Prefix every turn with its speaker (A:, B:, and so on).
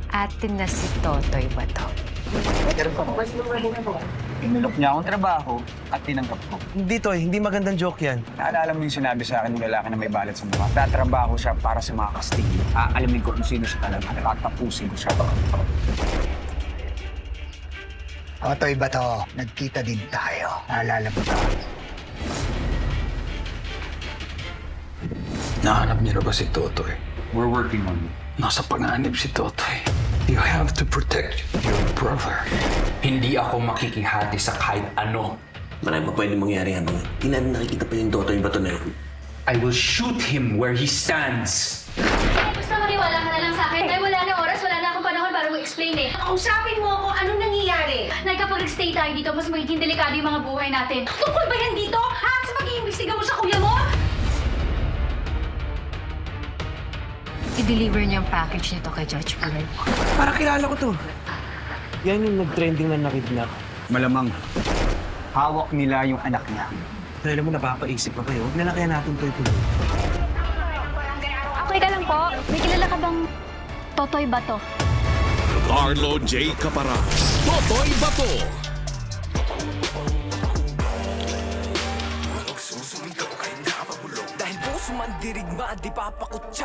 A: atin na si Totoy ba to?
B: Inulok niya akong trabaho at tinanggap ko.
C: Hindi, Toy. Hindi magandang joke yan.
B: Naalala mo yung sinabi sa akin ng lalaki na may balat sa mukha. Tatrabaho siya para sa mga Kastilyo. Aalamin ko kung sino siya talaga. Tatapusin ko siya.
D: Totoy ba to? Nagkita din tayo. Naalala mo to?
E: Nahanap niyo na ba si Totoy?
B: We're working on it.
E: Nasa panganib si Totoy. You have to protect your brother.
F: Hindi ako makikihati sa kahit ano.
G: Marami pa pwede mangyari habang hindi natin nakikita pa yung Totoy ba to na yun.
F: I will shoot him where he stands.
H: Basta maniwala ka na lang sa akin. Ay, wala na oras, wala na akong panahon para mag-explain eh.
I: Kausapin mo ako, anong nangyayari?
H: Nay, kapag nag-stay tayo dito, mas magiging delikado yung mga buhay natin.
I: Tungkol ba yan dito? Ha? Sa pag-iimbestiga mo sa kuya mo?
A: I-deliver niya ang package nito kay Judge Floyd.
C: Para kilala ko to. Yan yung nag-trending na nakidnap.
B: Malamang, hawak nila yung anak niya.
C: Dahil mo, napapaisip pa kayo. Huwag na lang kaya natin Toy tuloy.
H: Okay ka lang po. May kilala ka bang Totoy ba to?
J: Carlo J. Capara, Totoy Bato.
K: Dahil puso man dirigma, di papakutsa.